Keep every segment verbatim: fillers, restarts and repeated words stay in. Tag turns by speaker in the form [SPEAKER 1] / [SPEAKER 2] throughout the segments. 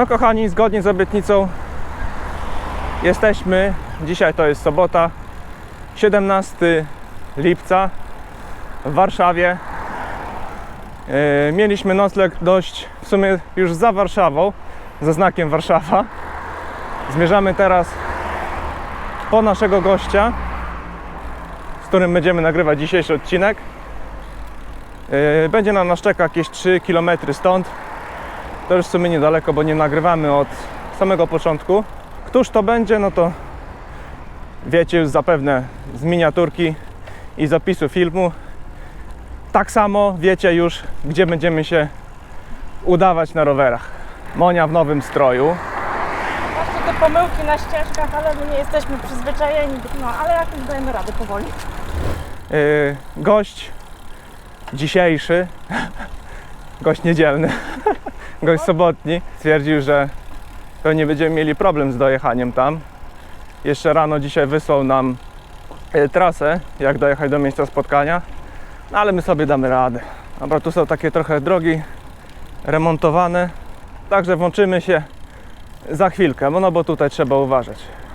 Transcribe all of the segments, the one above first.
[SPEAKER 1] No kochani, zgodnie z obietnicą jesteśmy, dzisiaj to jest sobota, siedemnastego lipca w Warszawie. Yy, mieliśmy nocleg dość w sumie już za Warszawą, ze znakiem Warszawa. Zmierzamy teraz po naszego gościa, z którym będziemy nagrywać dzisiejszy odcinek. Yy, będzie na nas czeka jakieś trzy kilometry stąd. To już w sumie niedaleko, bo nie nagrywamy od samego początku. Któż to będzie, no to wiecie już zapewne z miniaturki i zapisu filmu. Tak samo wiecie już, gdzie będziemy się udawać na rowerach. Monia w nowym stroju.
[SPEAKER 2] Właśnie te pomyłki na ścieżkach, ale my nie jesteśmy przyzwyczajeni, no ale jakoś dajemy radę powoli.
[SPEAKER 1] Yy, gość dzisiejszy, gość niedzielny, gość sobotni, stwierdził, że pewnie będziemy mieli problem z dojechaniem tam. Jeszcze rano dzisiaj wysłał nam yy, trasę, jak dojechać do miejsca spotkania, no, ale my sobie damy radę. Dobra, tu są takie trochę drogi remontowane, także włączymy się za chwilkę, no bo tutaj trzeba uważać.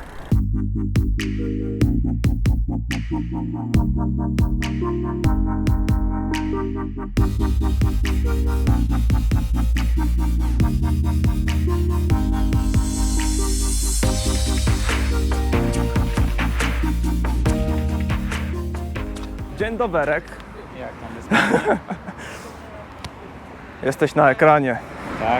[SPEAKER 1] Dzień doberek.
[SPEAKER 3] Jak tam jest?
[SPEAKER 1] Jesteś na ekranie.
[SPEAKER 3] Tak,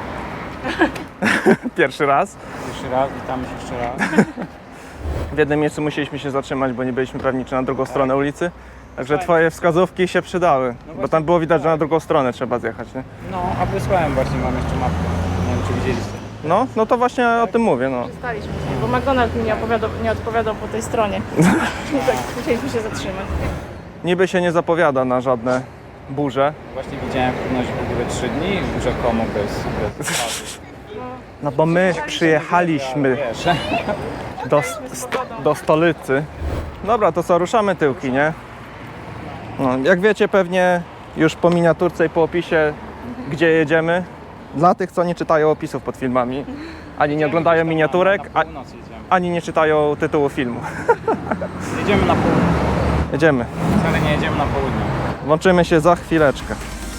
[SPEAKER 1] Pierwszy raz.
[SPEAKER 3] jeszcze raz, witamy się jeszcze raz.
[SPEAKER 1] W jednym miejscu musieliśmy się zatrzymać, bo nie byliśmy pewni, czy na drugą stronę ulicy. Także
[SPEAKER 3] Fajnie.
[SPEAKER 1] twoje wskazówki się przydały, bo
[SPEAKER 3] właśnie
[SPEAKER 1] tam było widać, że na
[SPEAKER 3] tak.
[SPEAKER 1] drugą stronę trzeba zjechać, nie?
[SPEAKER 3] No, a wysłałem właśnie, mam jeszcze mapkę. Nie wiem, czy widzieliście.
[SPEAKER 1] No, no to właśnie o tym mówię, no.
[SPEAKER 2] Przestaliśmy z nim, bo McDonald's mi nie odpowiadał, nie odpowiadał po tej stronie. Tak, musieliśmy się zatrzymać.
[SPEAKER 1] Niby się nie zapowiada na żadne burze.
[SPEAKER 3] Właśnie widziałem prognozie w ogóle trzy dni, rzekomo bez, bez spadku.
[SPEAKER 1] No bo my przyjechaliśmy
[SPEAKER 3] Wiesz,
[SPEAKER 1] do, st do stolicy. Dobra, to co, ruszamy tyłki, nie? No, jak wiecie pewnie już po miniaturce i po opisie, gdzie jedziemy. Dla tych, co nie czytają opisów pod filmami, ani nie oglądają miniaturek,
[SPEAKER 3] Na
[SPEAKER 1] a,
[SPEAKER 3] północ jedziemy.
[SPEAKER 1] ani nie czytają tytułu filmu.
[SPEAKER 3] Jedziemy na południe.
[SPEAKER 1] Jedziemy.
[SPEAKER 3] Wcale nie jedziemy na południe.
[SPEAKER 1] Włączymy się za chwileczkę.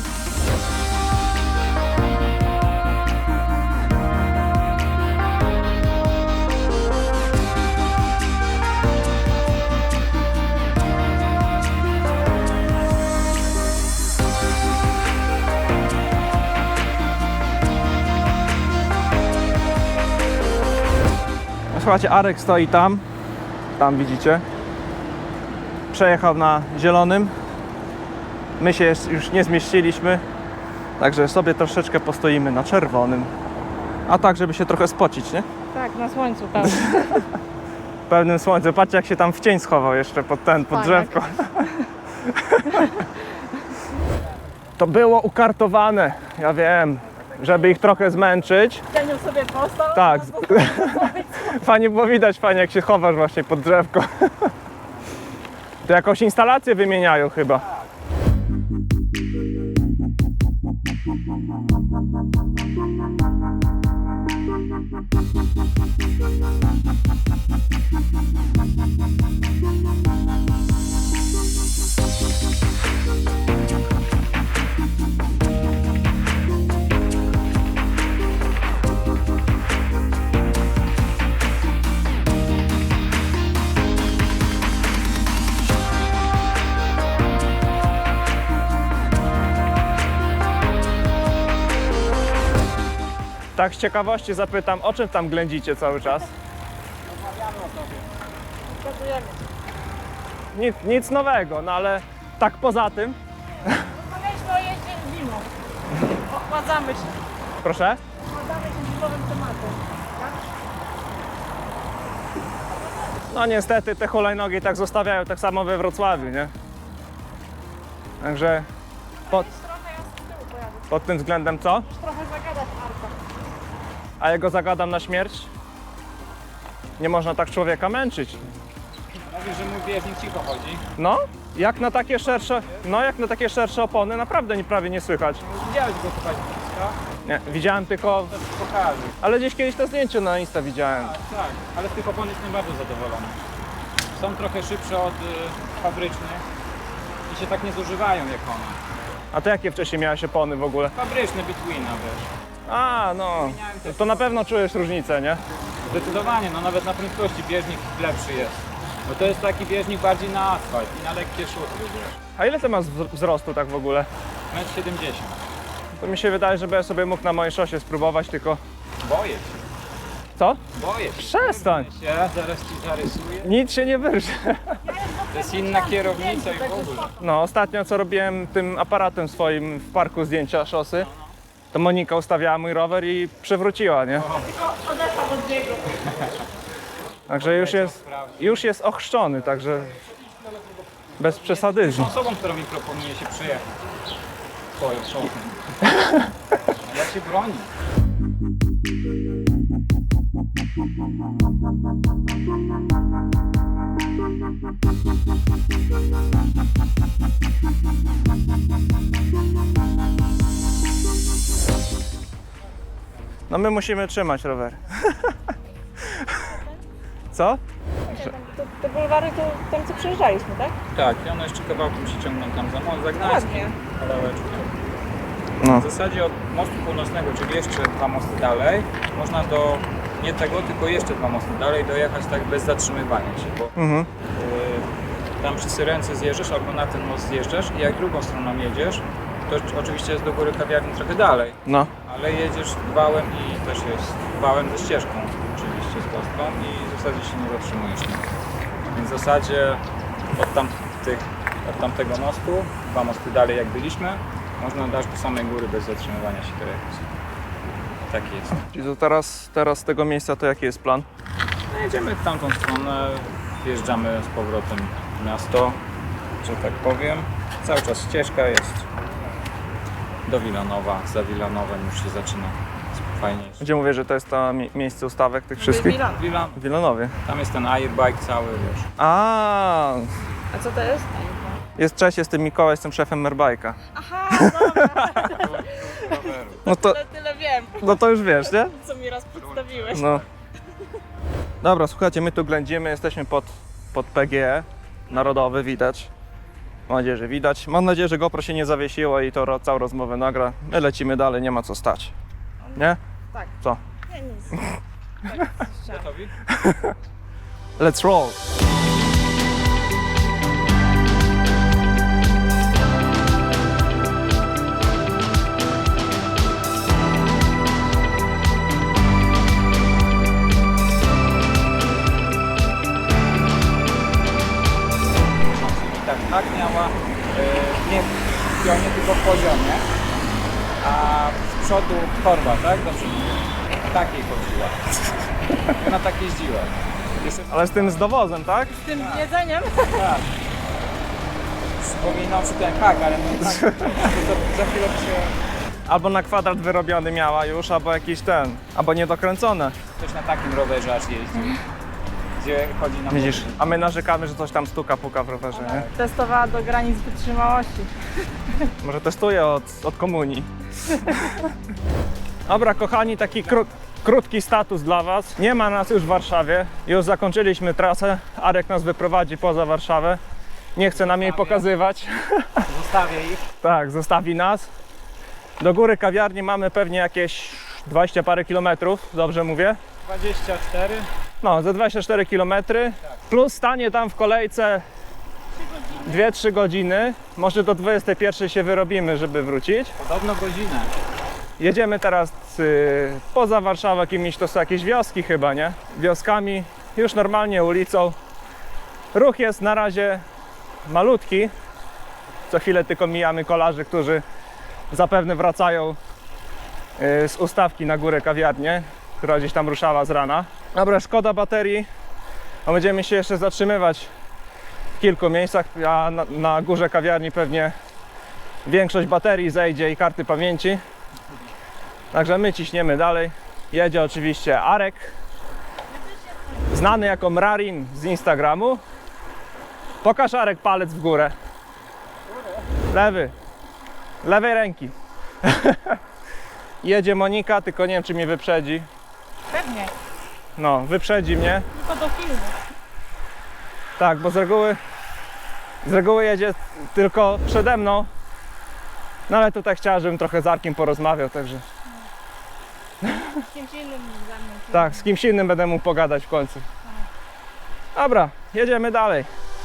[SPEAKER 1] Słuchajcie, Arek stoi tam, tam widzicie. Przejechał na zielonym. My się już nie zmieściliśmy, także sobie troszeczkę postoimy na czerwonym. A tak, żeby się trochę spocić, nie?
[SPEAKER 2] Tak, na słońcu pełno.
[SPEAKER 1] W pełnym słońcu. Patrzcie, jak się tam w cień schował jeszcze pod ten, pod
[SPEAKER 2] Fajak.
[SPEAKER 1] drzewko. To było ukartowane, ja wiem, żeby ich trochę zmęczyć.
[SPEAKER 2] Cieniu sobie postał.
[SPEAKER 1] Tak. Fajnie było widać, fajnie jak się chowasz właśnie pod drzewko. To jakąś instalację wymieniają chyba. Tak z ciekawości zapytam, o czym tam ględzicie cały czas?
[SPEAKER 2] Pokazujemy.
[SPEAKER 1] Nic, nic nowego, no ale tak poza tym.
[SPEAKER 2] Rozmawialiśmy o jeździe zimą. Ochładzamy się.
[SPEAKER 1] Proszę?
[SPEAKER 2] Ochładzamy się zimowym tematem. Tak?
[SPEAKER 1] No niestety te hulajnogi tak zostawiają tak samo we Wrocławiu, nie? Także pod,
[SPEAKER 2] Trochę ja z tyłu pojadę.
[SPEAKER 1] pod tym względem co?
[SPEAKER 2] Trochę zagadać Arka.
[SPEAKER 1] A ja go zagadam na śmierć? Nie można tak człowieka męczyć.
[SPEAKER 3] Mówisz, że mój bieżnik cicho chodzi.
[SPEAKER 1] No, jak na takie szersze, no jak na takie szersze opony naprawdę nie, prawie nie słychać.
[SPEAKER 3] Widziałeś go tutaj. Insta?
[SPEAKER 1] Nie, widziałem tylko,
[SPEAKER 3] To ci pokażę.
[SPEAKER 1] ale gdzieś kiedyś to zdjęcie na Insta widziałem.
[SPEAKER 3] Tak, tak, ale z tych opon jestem bardzo zadowolony. Są trochę szybsze od y, fabrycznych i się tak nie zużywają jak one.
[SPEAKER 1] A to jakie wcześniej miałeś opony w ogóle?
[SPEAKER 3] Fabryczne Bitwina, wiesz.
[SPEAKER 1] A, no, to na pewno czujesz różnicę, nie?
[SPEAKER 3] Zdecydowanie, no nawet na prędkości bieżnik lepszy jest. Bo to jest taki bieżnik bardziej na asfalt i na lekkie szuty, wiesz.
[SPEAKER 1] A ile ty masz wz- wzrostu tak w ogóle?
[SPEAKER 3] metr siedemdziesiąt.
[SPEAKER 1] To mi się wydaje, że ja sobie mógł na mojej szosie spróbować, tylko...
[SPEAKER 3] Boję się,
[SPEAKER 1] Co?
[SPEAKER 3] boję się.
[SPEAKER 1] Przestań!
[SPEAKER 3] Się, zaraz ci zarysuję.
[SPEAKER 1] Nic się nie wyrże.
[SPEAKER 3] To jest inna kierownica i w ogóle.
[SPEAKER 1] No, ostatnio co robiłem tym aparatem swoim w parku zdjęcia szosy, to Monika ustawiała mój rower i przewróciła, nie?
[SPEAKER 2] Odeszłam od biegu.
[SPEAKER 1] Także już jest, już jest ochrzczony, także bez przesady.
[SPEAKER 3] Tą osobą, którą mi proponuje się przyjechać. Twoją szopą. Ja się bronię.
[SPEAKER 1] No my musimy trzymać rower. Co?
[SPEAKER 2] Te, te bulwary to tam co przejeżdżaliśmy, tak?
[SPEAKER 3] Tak, i one jeszcze kawałkiem się ciągną tam za most, za Gdańskiem.
[SPEAKER 2] Ładnie.
[SPEAKER 3] Kawałeczkiem.
[SPEAKER 1] No.
[SPEAKER 3] W zasadzie od mostu północnego, czyli jeszcze dwa mosty dalej, można do nie tego, tylko jeszcze dwa mosty dalej dojechać tak bez zatrzymywania się, bo
[SPEAKER 1] Mhm.
[SPEAKER 3] y, tam przy Syrence zjeżdżasz albo na ten most zjeżdżasz i jak drugą stroną jedziesz, to oczywiście jest do góry kawiarni trochę dalej,
[SPEAKER 1] No.
[SPEAKER 3] ale jedziesz wałem i też jest wałem ze ścieżką oczywiście z kostką i w zasadzie się nie zatrzymujesz. Nie? Więc w zasadzie od, tamtych, od tamtego mostu, dwa mosty dalej jak byliśmy, można dać do samej góry bez zatrzymywania się dojechać. Tak jest.
[SPEAKER 1] Czyli to teraz, teraz z tego miejsca to jaki jest plan?
[SPEAKER 3] No, jedziemy w tamtą stronę, wjeżdżamy z powrotem w miasto, że tak powiem. Cały czas ścieżka jest do Wilanowa, za Wilanowem już się zaczyna fajniejsze.
[SPEAKER 1] Gdzie mówię, że to jest to mi- miejsce ustawek tych wszystkich?
[SPEAKER 2] Milan.
[SPEAKER 3] Wilan,
[SPEAKER 1] W Wilanowie.
[SPEAKER 3] tam jest ten airbike cały, wiesz.
[SPEAKER 1] A,
[SPEAKER 2] A co to jest?
[SPEAKER 1] jest cześć, jestem Mikołaj, jestem szefem Merbajka.
[SPEAKER 2] Aha, dobra,
[SPEAKER 3] Roweru.
[SPEAKER 1] No to,
[SPEAKER 2] tyle, tyle wiem,
[SPEAKER 1] no to już wiesz, nie?
[SPEAKER 2] co mi raz przedstawiłeś.
[SPEAKER 1] No. Dobra, słuchajcie, my tu ględzimy, jesteśmy pod, pod P G E Narodowy, widać. Mam nadzieję, że widać. Mam nadzieję, że GoPro się nie zawiesiło i to ro, całą rozmowę nagra. My lecimy dalej, nie ma co stać. Nie?
[SPEAKER 2] Tak.
[SPEAKER 1] Co?
[SPEAKER 2] Nie, nic. Tak, słyszałam.
[SPEAKER 3] Gotowi?
[SPEAKER 1] Let's roll!
[SPEAKER 3] I tak, tak miała e, nie w pionie, tylko w poziomie, a z przodu torba, tak? Do przodu. Takiej chodziła. Ona tak jeździła. Jeszcze
[SPEAKER 1] Ale z tym z dowozem, tak?
[SPEAKER 2] Z tym jedzeniem?
[SPEAKER 3] tak. Wspominał przy ten hak, ale no tak, to za chwilę by się
[SPEAKER 1] Albo na kwadrat wyrobiony miała już, albo jakiś ten, albo niedokręcone.
[SPEAKER 3] ktoś na takim rowerze aż jeździł. Gdzie chodzi na
[SPEAKER 1] Widzisz? A my narzekamy, że coś tam stuka, puka w rowerze, nie?
[SPEAKER 2] Testowała do granic wytrzymałości.
[SPEAKER 1] Może testuję od, od komunii. Dobra, kochani, taki krót, krótki status dla Was. Nie ma nas już w Warszawie. Już zakończyliśmy trasę. Arek nas wyprowadzi poza Warszawę. Nie chce nam jej pokazywać.
[SPEAKER 3] Zostawię ich.
[SPEAKER 1] Tak, zostawi nas. Do góry kawiarni mamy pewnie jakieś dwadzieścia parę kilometrów, dobrze mówię?
[SPEAKER 3] dwadzieścia cztery.
[SPEAKER 1] No, ze dwadzieścia cztery kilometry. Plus stanie tam w kolejce dwie trzy godziny. Może do dwudziestej pierwszej się wyrobimy, żeby wrócić.
[SPEAKER 3] Podobno godzinę.
[SPEAKER 1] Jedziemy teraz y, poza Warszawą jakimiś, to są jakieś wioski chyba, nie? Wioskami, już normalnie ulicą. Ruch jest na razie malutki. Co chwilę tylko mijamy kolarzy, którzy zapewne wracają y, z ustawki na górę kawiarnię, która gdzieś tam ruszała z rana. Dobra, szkoda baterii, bo będziemy się jeszcze zatrzymywać w kilku miejscach, a na, na górze kawiarni pewnie większość baterii zejdzie i karty pamięci. Także my ciśniemy dalej. Jedzie oczywiście Arek, znany jako Mrarin z Instagramu. Pokaż, Arek, palec w górę. Lewy. Lewej ręki. jedzie Monika, tylko nie wiem, czy mnie wyprzedzi.
[SPEAKER 2] Pewnie,
[SPEAKER 1] No, wyprzedzi mnie.
[SPEAKER 2] tylko do filmu.
[SPEAKER 1] Tak, bo z reguły, z reguły jedzie tylko przede mną. No ale tutaj chciała, żebym trochę z Arkiem porozmawiał, także
[SPEAKER 2] Z kimś innym ze mną.
[SPEAKER 1] tak, z kimś innym będę mógł pogadać w końcu. Dobra, jedziemy dalej.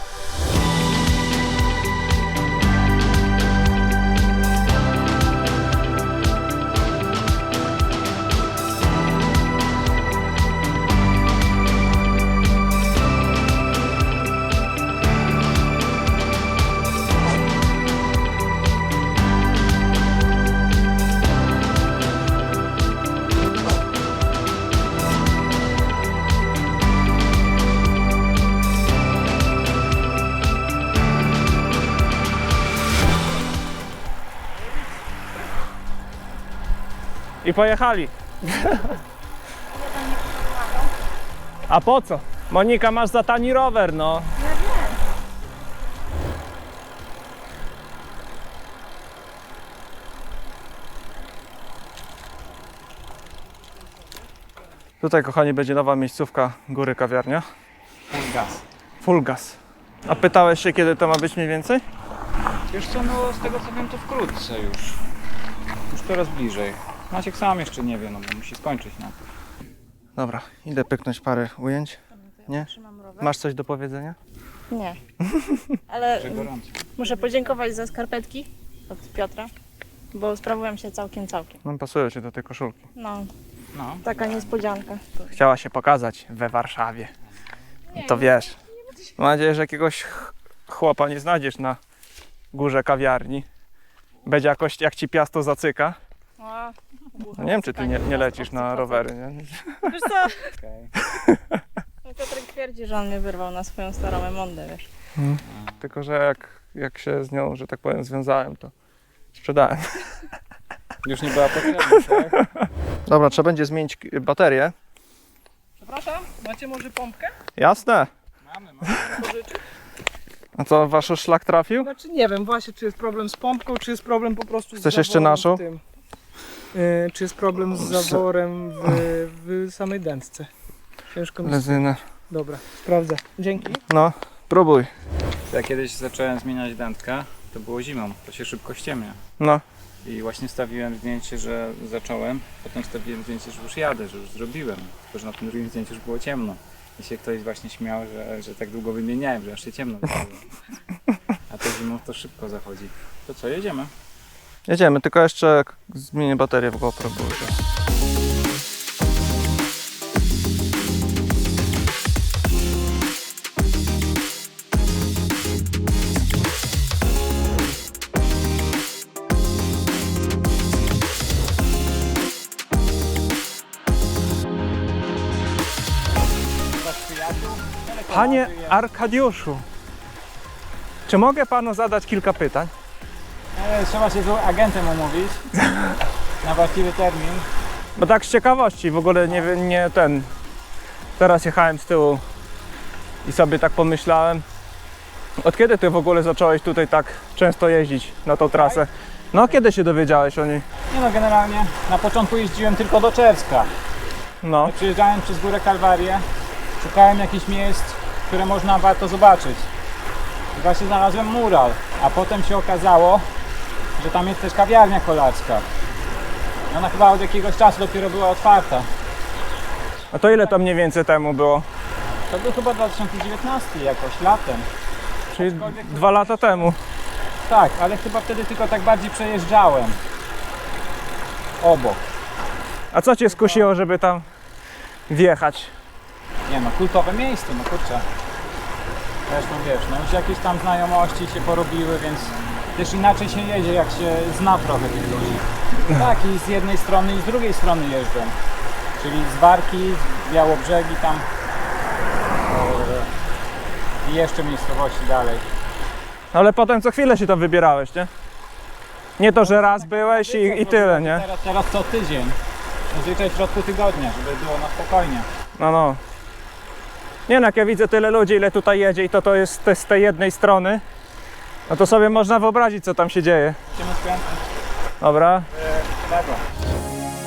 [SPEAKER 1] I pojechali. A po co? Monika, masz za tani rower, no.
[SPEAKER 2] Ja wiem.
[SPEAKER 1] Tutaj, kochani, będzie nowa miejscówka Góry Kawiarnia.
[SPEAKER 3] Full gas.
[SPEAKER 1] Full gas. A pytałeś się, kiedy to ma być mniej więcej?
[SPEAKER 3] Wiesz co, no z tego co wiem to wkrótce już. Już coraz bliżej. Maciek sam jeszcze nie wie, no bo musi skończyć na to.
[SPEAKER 1] Dobra, idę pyknąć parę ujęć. Nie?
[SPEAKER 2] Trzymam rower.
[SPEAKER 1] Masz coś do powiedzenia?
[SPEAKER 2] Nie. Ale
[SPEAKER 3] Że gorąco.
[SPEAKER 2] muszę podziękować za skarpetki od Piotra, bo sprawują się całkiem, całkiem.
[SPEAKER 1] No, pasują ci do tej koszulki.
[SPEAKER 2] No,
[SPEAKER 3] No.
[SPEAKER 2] taka niespodzianka.
[SPEAKER 1] Chciała się pokazać we Warszawie.
[SPEAKER 2] Nie,
[SPEAKER 1] To wiesz. Mam nadzieję, że jakiegoś ch- chłopa nie znajdziesz na Górze Kawiarni. Będzie jakoś, jak ci piasto zacyka.
[SPEAKER 2] A,
[SPEAKER 1] No, nie wiem, czy ty nie, nie lecisz na rowery, nie?
[SPEAKER 2] Wiesz co?
[SPEAKER 3] Okej.
[SPEAKER 2] No Piotrek twierdzi, że on mnie wyrwał na swoją starą emondę, wiesz.
[SPEAKER 1] Tylko, że jak, jak się z nią, że tak powiem, związałem, to sprzedałem.
[SPEAKER 3] Już nie była potrzebna, tak?
[SPEAKER 1] Dobra, trzeba będzie zmienić k- baterię.
[SPEAKER 4] Przepraszam, macie może pompkę?
[SPEAKER 1] Jasne.
[SPEAKER 3] Mamy, mamy.
[SPEAKER 4] Pożyczyć?
[SPEAKER 1] A co, wasz szlak trafił?
[SPEAKER 4] Znaczy nie wiem właśnie, czy jest problem z pompką, czy jest problem po prostu z
[SPEAKER 1] Chcesz jeszcze
[SPEAKER 4] zaworem
[SPEAKER 1] naszą?
[SPEAKER 4] w tym. Yy, czy jest problem z zaworem w, w samej dętce. Ciężko mi...
[SPEAKER 1] Lezynę.
[SPEAKER 4] Dobra, sprawdzę. Dzięki.
[SPEAKER 1] No, próbuj.
[SPEAKER 3] Ja kiedyś zacząłem zmieniać dętkę, to było zimą, to się szybko ściemnia.
[SPEAKER 1] No.
[SPEAKER 3] I właśnie stawiłem zdjęcie, że zacząłem, potem stawiłem zdjęcie, że już jadę, że już zrobiłem. Tylko, że na tym drugim zdjęciu już było ciemno. I się ktoś właśnie śmiał, że, że tak długo wymieniałem, że aż się ciemno zrobiło. A to zimą to szybko zachodzi. To co, jedziemy?
[SPEAKER 1] Jedziemy, tylko jeszcze k- zmienię baterię w GoPro. Bo już jest. Panie Arkadiuszu, czy mogę panu zadać kilka pytań?
[SPEAKER 3] E, trzeba się z agentem umówić na właściwy termin.
[SPEAKER 1] Bo tak z ciekawości, w ogóle nie, wiem, nie ten. Teraz jechałem z tyłu i sobie tak pomyślałem, od kiedy ty w ogóle zacząłeś tutaj tak często jeździć na tą trasę? No, kiedy się dowiedziałeś o niej?
[SPEAKER 3] Nie no, generalnie na początku jeździłem tylko do Czerska.
[SPEAKER 1] No,
[SPEAKER 3] Przyjeżdżałem przez Górę Kalwarię, szukałem jakichś miejsc, które można warto zobaczyć. I właśnie znalazłem mural, a potem się okazało, że tam jest też kawiarnia kolarska. I ona chyba od jakiegoś czasu dopiero była otwarta.
[SPEAKER 1] a to ile to mniej więcej temu było?
[SPEAKER 3] To był chyba dwa tysiące dziewiętnasty jakoś, latem.
[SPEAKER 1] Czyli dwa lata temu.
[SPEAKER 3] Tak, ale chyba wtedy tylko tak bardziej przejeżdżałem. Obok.
[SPEAKER 1] A co cię skusiło, żeby tam wjechać?
[SPEAKER 3] Nie no, kultowe miejsce, no kurczę. Zresztą wiesz, no już jakieś tam znajomości się porobiły, więc też inaczej się jedzie, jak się zna trochę tych ludzi. Tak, i z jednej strony i z drugiej strony jeżdżą. Czyli z Warki, z Białobrzegi tam e, i jeszcze miejscowości dalej.
[SPEAKER 1] Ale potem co chwilę się to wybierałeś, nie? Nie to, że raz byłeś i, i tyle, nie?
[SPEAKER 3] Teraz, teraz co tydzień. Zazwyczaj w środku tygodnia, żeby było na spokojnie.
[SPEAKER 1] No, no. Nie no, jak ja widzę tyle ludzi, ile tutaj jedzie i to, to jest te- z tej jednej strony, no to sobie można wyobrazić, co tam się dzieje.
[SPEAKER 3] Idziemy skrętem.
[SPEAKER 1] Dobra.
[SPEAKER 3] E, lewo.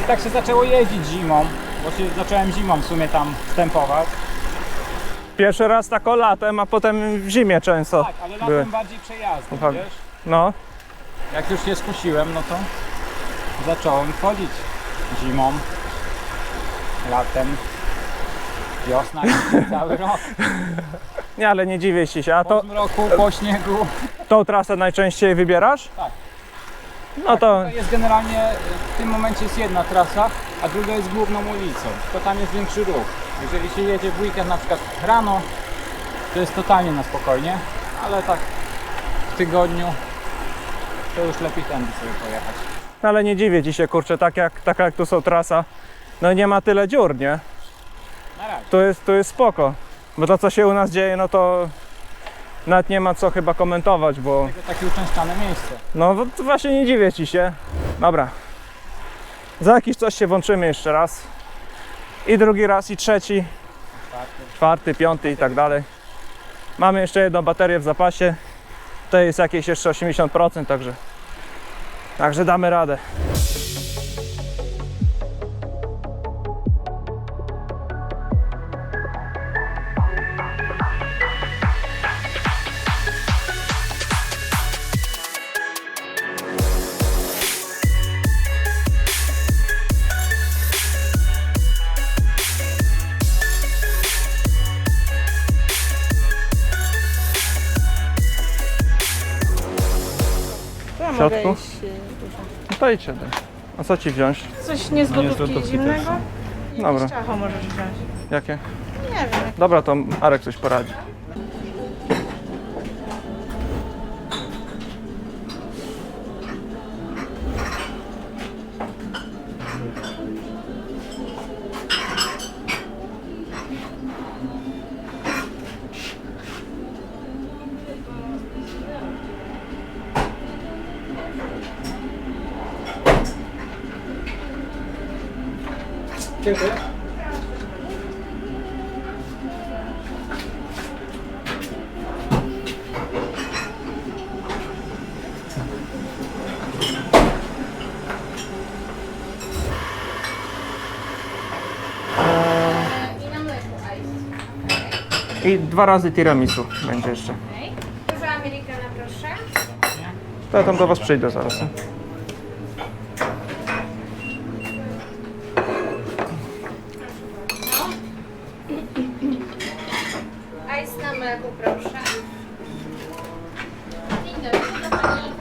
[SPEAKER 3] tak się zaczęło jeździć zimą, bo się zacząłem zimą w sumie tam wstępować.
[SPEAKER 1] Pierwszy raz tak o latem, a potem w zimie często
[SPEAKER 3] Tak, ale latem
[SPEAKER 1] były.
[SPEAKER 3] bardziej przejazdem,
[SPEAKER 1] Aha.
[SPEAKER 3] wiesz?
[SPEAKER 1] No,
[SPEAKER 3] Jak już się skusiłem, no to zacząłem chodzić zimą, latem, wiosna i cały rok.
[SPEAKER 1] nie, ale nie dziwię ci się. A
[SPEAKER 3] Po
[SPEAKER 1] to,
[SPEAKER 3] zmroku, po śniegu.
[SPEAKER 1] tą trasę najczęściej wybierasz?
[SPEAKER 3] Tak.
[SPEAKER 1] No to,
[SPEAKER 3] To jest generalnie, w tym momencie jest jedna trasa, a druga jest główną ulicą, to tam jest większy ruch. Jeżeli się jedzie w weekend na przykład rano, to jest totalnie na spokojnie, ale tak w tygodniu to już lepiej tędy sobie pojechać.
[SPEAKER 1] no ale nie dziwię ci się, kurczę, tak jak, taka jak tu są trasa, no nie ma tyle dziur, nie?
[SPEAKER 3] Na razie.
[SPEAKER 1] To jest, to jest spoko. Bo to, co się u nas dzieje, no to nawet nie ma co chyba komentować, bo
[SPEAKER 3] Tylko takie uczęszczane miejsce.
[SPEAKER 1] no to właśnie nie dziwię ci się. Dobra. Za jakiś czas się włączymy jeszcze raz. I drugi raz, i trzeci, czwarty, piąty i tak dalej. Mamy jeszcze jedną baterię w zapasie. To jest jakieś jeszcze osiemdziesiąt procent, także, także damy radę.
[SPEAKER 2] To ja
[SPEAKER 1] W
[SPEAKER 2] mogę
[SPEAKER 1] środku?
[SPEAKER 2] iść, y, dużo.
[SPEAKER 1] No to idź siadaj. A co ci wziąć?
[SPEAKER 2] Coś nie z
[SPEAKER 1] No nie z
[SPEAKER 2] gotówki
[SPEAKER 1] gotówki
[SPEAKER 2] zimnego?
[SPEAKER 1] też.
[SPEAKER 2] Jakieś
[SPEAKER 1] Dobra.
[SPEAKER 2] ciacho możesz wziąć.
[SPEAKER 1] Jakie?
[SPEAKER 2] Nie wiem.
[SPEAKER 1] Dobra, to Arek coś poradzi.
[SPEAKER 3] Dziękuję.
[SPEAKER 5] I na mleku ice.
[SPEAKER 1] I dwa razy tiramisu będzie jeszcze.
[SPEAKER 5] Okay. Duża americana, proszę.
[SPEAKER 1] To ja tam do was przyjdę zaraz. nie?
[SPEAKER 5] Ice na mleku, proszę. Dzień dobry, do pani.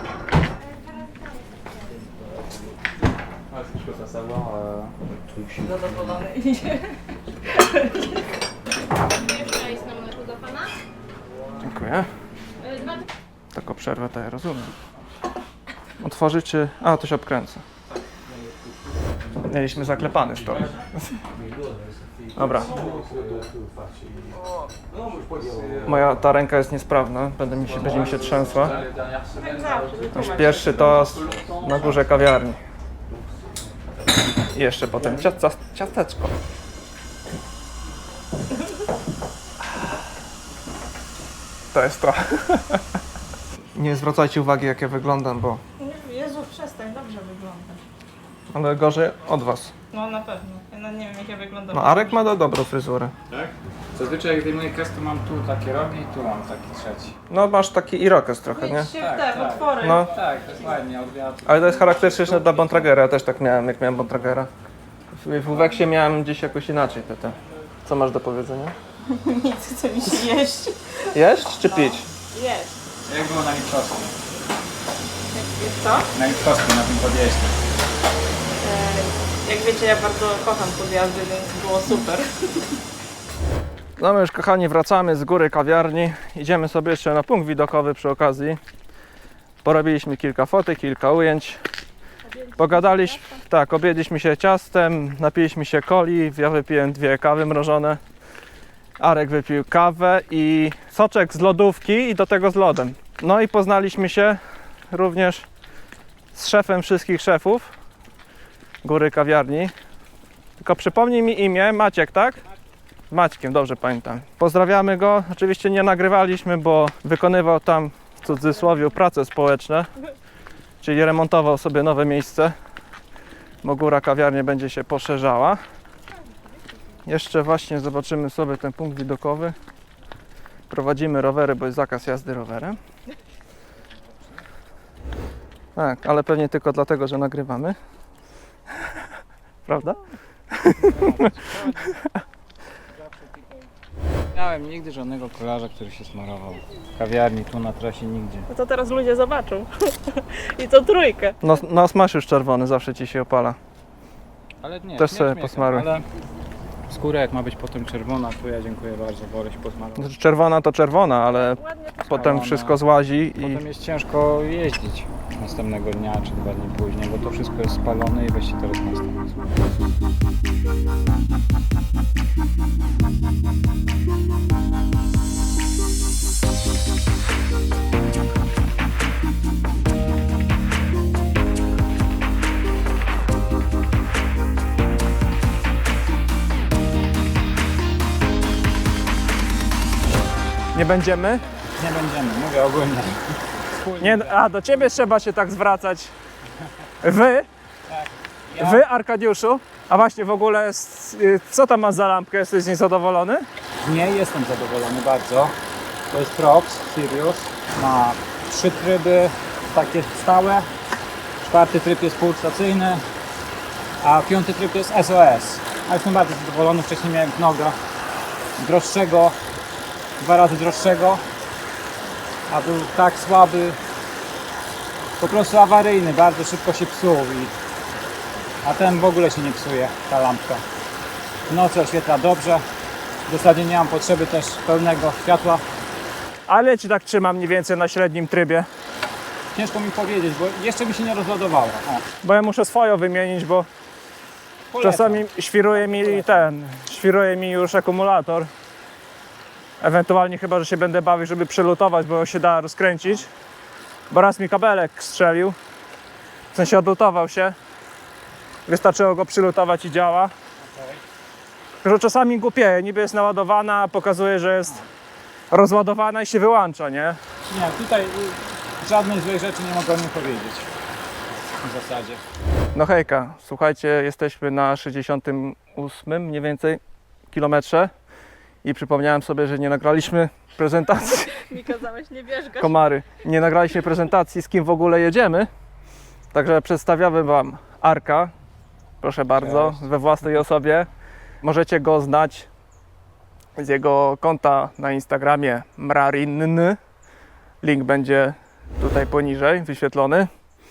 [SPEAKER 5] Jeszcze ice na mleku do pana.
[SPEAKER 1] Dziękuję.
[SPEAKER 5] Y, Dwa
[SPEAKER 1] Taką przerwę to ja rozumiem. Otworzyć czy... A, to się obkręca. Mieliśmy zaklepany stolik. Dobra. Moja ta ręka jest niesprawna, będę mi się, będzie mi się trzęsła. Nasz pierwszy toast na górze kawiarni. I jeszcze potem ciasta, ciasteczko. To jest to. Nie zwracajcie uwagi, jak ja wyglądam, bo
[SPEAKER 2] Jezu, przestań, dobrze wyglądasz.
[SPEAKER 1] ale gorzej od was.
[SPEAKER 2] No na pewno. Ja nawet nie wiem jak ja wyglądam.
[SPEAKER 1] No Arek ma do dobrą fryzurę.
[SPEAKER 3] Tak? Zazwyczaj jak zdejmuję kres, to mam tu takie rogi i tu mam taki trzeci.
[SPEAKER 1] No masz taki irokез trochę, nie?
[SPEAKER 2] Idź się w
[SPEAKER 3] Tak,
[SPEAKER 2] te
[SPEAKER 3] tak.
[SPEAKER 2] otwory.
[SPEAKER 1] No,
[SPEAKER 3] Tak, to jest ładnie, od wiatru.
[SPEAKER 1] ale to jest charakterystyczne dla Bontragera. Ja też tak miałem, jak miałem Bontragera. W, w Uweksie miałem gdzieś jakoś inaczej te, te. Co masz do powiedzenia?
[SPEAKER 2] Nic, co mi się jeść.
[SPEAKER 1] Jeść czy pić?
[SPEAKER 2] Jeść.
[SPEAKER 3] Jak było na Lipczowskim?
[SPEAKER 2] Jak co?
[SPEAKER 3] Na Lipczowskim, na tym podjeździe.
[SPEAKER 2] E, Jak wiecie, ja bardzo kocham podjazdy, więc było super.
[SPEAKER 1] No my już kochani wracamy z góry kawiarni. Idziemy sobie jeszcze na punkt widokowy przy okazji. Porobiliśmy kilka fotek, kilka ujęć. Pogadaliśmy, tak, objedliśmy się ciastem, napiliśmy się coli, ja wypiłem dwie kawy mrożone. Arek wypił kawę i soczek z lodówki i do tego z lodem. No i poznaliśmy się również z szefem wszystkich szefów góry kawiarni. Tylko przypomnij mi imię, Maciek, tak? Maćkiem, dobrze pamiętam. Pozdrawiamy go. Oczywiście nie nagrywaliśmy, bo wykonywał tam w cudzysłowie prace społeczne, czyli remontował sobie nowe miejsce. bo góra kawiarnie będzie się poszerzała. Jeszcze właśnie zobaczymy sobie ten punkt widokowy. Prowadzimy rowery, bo jest zakaz jazdy rowerem. Tak, ale pewnie tylko dlatego, że nagrywamy. Prawda?
[SPEAKER 3] Nie miałem nigdy żadnego kolarza, który się smarował. W kawiarni, tu na trasie, nigdzie.
[SPEAKER 2] No to teraz ludzie zobaczą. I to trójkę.
[SPEAKER 1] Nos, nos masz już czerwony, zawsze ci się opala.
[SPEAKER 3] Ale nie,
[SPEAKER 1] Też
[SPEAKER 3] nie
[SPEAKER 1] sobie
[SPEAKER 3] śmiechem,
[SPEAKER 1] posmaruj.
[SPEAKER 3] Ale skóra jak ma być potem czerwona, to ja dziękuję bardzo, wolę się posmarować.
[SPEAKER 1] Znaczy, czerwona to czerwona, ale
[SPEAKER 2] Ładnie to
[SPEAKER 1] potem
[SPEAKER 3] Spalona.
[SPEAKER 1] wszystko złazi i
[SPEAKER 3] Potem jest ciężko jeździć następnego dnia czy dwa dni później, bo to wszystko jest spalone i weź się teraz następny.
[SPEAKER 1] nie będziemy.
[SPEAKER 3] Nie będziemy, mówię ogólnie.
[SPEAKER 1] Nie, a do ciebie trzeba się tak zwracać. Wy,
[SPEAKER 3] Ja,
[SPEAKER 1] wy Arkadiuszu, a właśnie w ogóle s- y, co tam masz za lampkę? Jesteś niezadowolony?
[SPEAKER 3] nie jestem zadowolony bardzo. To jest Prox Sirius. Ma trzy tryby takie stałe. Czwarty tryb jest pulsacyjny, a piąty tryb jest S O S. A jestem bardzo zadowolony. Wcześniej miałem Knoga droższego, dwa razy droższego, a był tak słaby, po prostu awaryjny, bardzo szybko się psuł. I, a ten w ogóle się nie psuje, ta lampka. W nocy oświetla dobrze. W zasadzie nie mam potrzeby też pełnego światła.
[SPEAKER 1] Ale ci tak trzymam mniej więcej na średnim trybie.
[SPEAKER 3] Ciężko mi powiedzieć, bo jeszcze mi się nie rozładowała. O,
[SPEAKER 1] Bo ja muszę swoją wymienić, bo
[SPEAKER 3] polecam.
[SPEAKER 1] czasami świruje mi ten, świruje mi już akumulator. Ewentualnie chyba, że się będę bawił, żeby przelutować, bo się da rozkręcić. Bo raz mi kabelek strzelił. W sensie odlutował się. Wystarczyło go przylutować i działa. Tylko, że czasami głupieje, niby jest naładowana, a pokazuje, że jest rozładowana i się wyłącza, nie?
[SPEAKER 3] Nie, tutaj y, żadnej złej rzeczy nie mogę o nim powiedzieć. W zasadzie.
[SPEAKER 1] No hejka, słuchajcie, jesteśmy na sześćdziesiątym ósmym mniej więcej kilometrze i przypomniałem sobie, że nie nagraliśmy prezentacji
[SPEAKER 2] mi kazałeś nie wierzgać.
[SPEAKER 1] komary. Nie nagraliśmy prezentacji, z kim w ogóle jedziemy. Także przedstawiamy Wam Arka. Proszę bardzo,
[SPEAKER 3] Cześć.
[SPEAKER 1] we własnej osobie. Możecie go znać z jego konta na Instagramie mrarinny. Link będzie tutaj poniżej wyświetlony.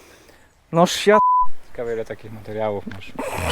[SPEAKER 1] No świat.
[SPEAKER 3] Ciekawe ile takich materiałów masz.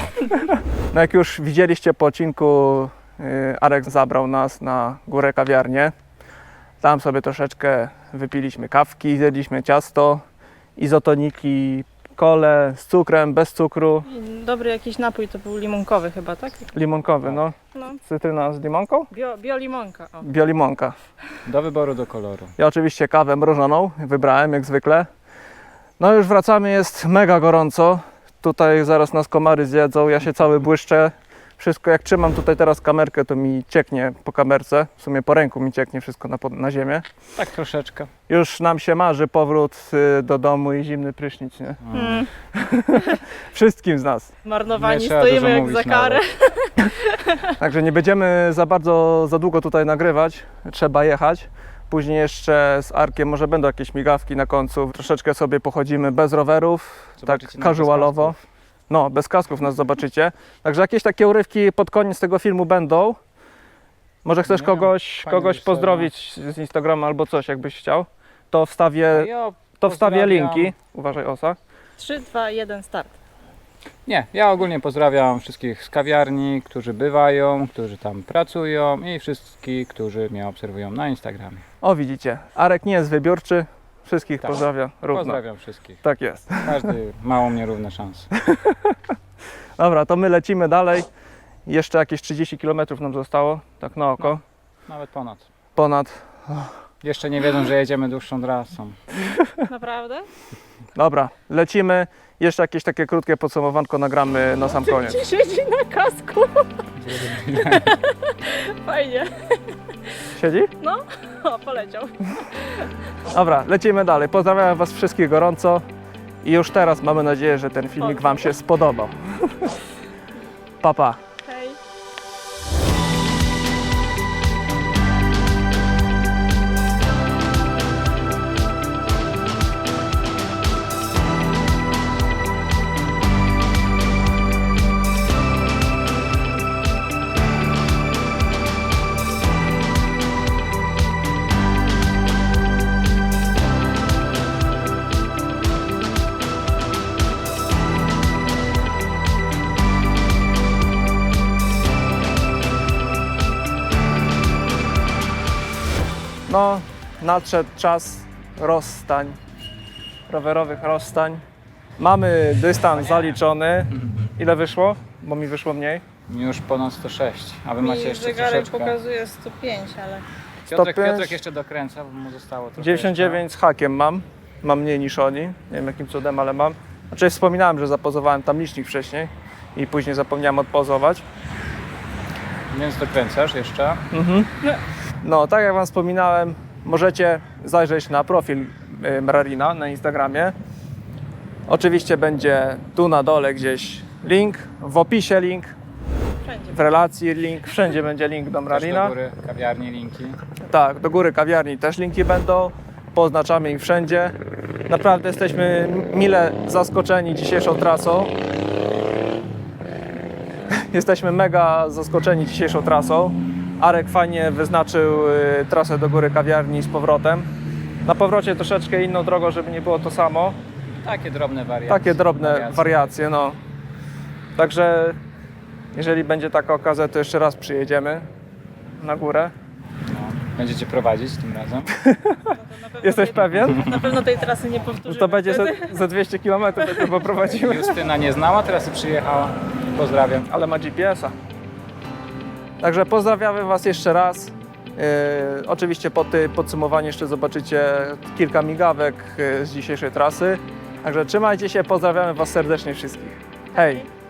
[SPEAKER 1] No jak już widzieliście po odcinku, yy, Arek zabrał nas na górę kawiarnię. Tam sobie troszeczkę wypiliśmy kawki, zjedliśmy ciasto, izotoniki, kole z cukrem, bez cukru,
[SPEAKER 2] Dobry jakiś napój to był limonkowy chyba, tak?
[SPEAKER 1] limonkowy, no.
[SPEAKER 2] No.
[SPEAKER 1] Cytryna z limonką?
[SPEAKER 2] Bio, biolimonka. O.
[SPEAKER 1] Biolimonka.
[SPEAKER 3] Do wyboru, do koloru.
[SPEAKER 1] Ja oczywiście kawę mrożoną wybrałem jak zwykle. No już wracamy, jest mega gorąco. Tutaj zaraz nas komary zjedzą, ja się cały błyszczę. Wszystko, jak trzymam tutaj teraz kamerkę, to mi cieknie po kamerce. W sumie po ręku mi cieknie wszystko na, pod- na ziemię.
[SPEAKER 3] Tak troszeczkę.
[SPEAKER 1] Już nam się marzy powrót y, do domu i zimny prysznic, nie?
[SPEAKER 2] Mm.
[SPEAKER 1] Wszystkim z nas.
[SPEAKER 2] Marnowani
[SPEAKER 3] Nie trzeba
[SPEAKER 2] stoimy
[SPEAKER 3] dużo
[SPEAKER 2] jak
[SPEAKER 3] mówić
[SPEAKER 2] za karę.
[SPEAKER 3] nawet.
[SPEAKER 1] Także nie będziemy za bardzo, za długo tutaj nagrywać. Trzeba jechać. Później jeszcze z Arkiem może będą jakieś migawki na końcu. Troszeczkę sobie pochodzimy bez rowerów,
[SPEAKER 3] Zobaczycie
[SPEAKER 1] tak
[SPEAKER 3] nas
[SPEAKER 1] casualowo.
[SPEAKER 3] bez kasków.
[SPEAKER 1] No, bez kasków nas zobaczycie. Także jakieś takie urywki pod koniec tego filmu będą. Może chcesz
[SPEAKER 3] Nie wiem,
[SPEAKER 1] kogoś,
[SPEAKER 3] fajnie
[SPEAKER 1] kogoś
[SPEAKER 3] być
[SPEAKER 1] pozdrowić z Instagrama albo coś, jakbyś chciał. To wstawię,
[SPEAKER 3] Ja
[SPEAKER 1] to wstawię
[SPEAKER 3] pozdrawiam.
[SPEAKER 1] linki. Uważaj, Osa.
[SPEAKER 2] trzy, dwa, jeden, start.
[SPEAKER 3] Nie, ja ogólnie pozdrawiam wszystkich z kawiarni, którzy bywają, którzy tam pracują i wszystkich, którzy mnie obserwują na Instagramie.
[SPEAKER 1] O, widzicie, Arek nie jest wybiórczy. Wszystkich
[SPEAKER 3] Tak.
[SPEAKER 1] pozdrawia równo.
[SPEAKER 3] Pozdrawiam wszystkich.
[SPEAKER 1] Tak jest.
[SPEAKER 3] Każdy ma u mnie równe szanse.
[SPEAKER 1] Dobra, to my lecimy dalej. Jeszcze jakieś trzydzieści kilometrów nam zostało, tak na oko.
[SPEAKER 3] Nawet ponad.
[SPEAKER 1] Ponad.
[SPEAKER 3] Jeszcze nie wiedzą, że jedziemy dłuższą trasą.
[SPEAKER 2] Naprawdę?
[SPEAKER 1] Dobra, lecimy. Jeszcze jakieś takie krótkie podsumowanko nagramy na sam koniec.
[SPEAKER 2] Ci siedzi na kasku. Fajnie.
[SPEAKER 1] Siedzi?
[SPEAKER 2] O, poleciał.
[SPEAKER 1] Dobra, lecimy dalej. Pozdrawiam Was wszystkich gorąco I już teraz mamy nadzieję, że ten filmik Wam się spodobał. Pa, pa.
[SPEAKER 2] Hej.
[SPEAKER 1] No, nadszedł czas rozstań, rowerowych rozstań. Mamy dystans zaliczony. Ile wyszło? Bo mi wyszło mniej.
[SPEAKER 3] Już ponad sto sześć, a wy macie
[SPEAKER 2] Mi
[SPEAKER 3] jeszcze
[SPEAKER 2] zegarek
[SPEAKER 3] troszeczkę.
[SPEAKER 2] pokazuje sto pięć, ale...
[SPEAKER 3] Piotrek,
[SPEAKER 1] sto pięć.
[SPEAKER 3] Piotrek jeszcze dokręca, bo mu zostało trochę
[SPEAKER 1] dziewięćdziesiąt dziewięć z hakiem mam. Mam mniej niż oni. Nie wiem jakim cudem, ale mam. Znaczy wspominałem, że zapozowałem tam licznik wcześniej i później zapomniałem odpozować.
[SPEAKER 3] jeszcze. Więc dokręcasz jeszcze.
[SPEAKER 1] No, tak jak Wam wspominałem, możecie zajrzeć na profil y, Mrarina na Instagramie. Oczywiście będzie tu na dole gdzieś link, w opisie link,
[SPEAKER 2] Wszędzie.
[SPEAKER 1] w relacji link, wszędzie będzie link do
[SPEAKER 3] Też
[SPEAKER 1] Mrarina.
[SPEAKER 3] do góry, kawiarni, linki.
[SPEAKER 1] Tak, do góry kawiarni też linki będą, poznaczamy ich wszędzie. Naprawdę jesteśmy mile zaskoczeni dzisiejszą trasą. Jesteśmy mega zaskoczeni dzisiejszą trasą. Arek fajnie wyznaczył y, trasę do góry kawiarni z powrotem. Na powrocie troszeczkę inną drogą, żeby nie było to samo.
[SPEAKER 3] Takie drobne wariacje.
[SPEAKER 1] Takie drobne
[SPEAKER 3] wariacje.
[SPEAKER 1] wariacje, no. Także jeżeli będzie taka okazja, to jeszcze raz przyjedziemy na górę.
[SPEAKER 3] No. Będziecie prowadzić tym razem.
[SPEAKER 1] Jesteś pewien?
[SPEAKER 2] Na pewno tej trasy nie powtórzymy.
[SPEAKER 1] To będzie
[SPEAKER 2] wtedy.
[SPEAKER 1] za, za dwieście kilometrów, jak to poprowadzimy.
[SPEAKER 3] Justyna nie znała, teraz i przyjechała. Pozdrawiam.
[SPEAKER 1] Ale ma G P S a. Także pozdrawiamy Was jeszcze raz. Yy, oczywiście po tym podsumowaniu jeszcze zobaczycie kilka migawek yy, z dzisiejszej trasy. Także trzymajcie się, pozdrawiamy Was serdecznie wszystkich. Hej!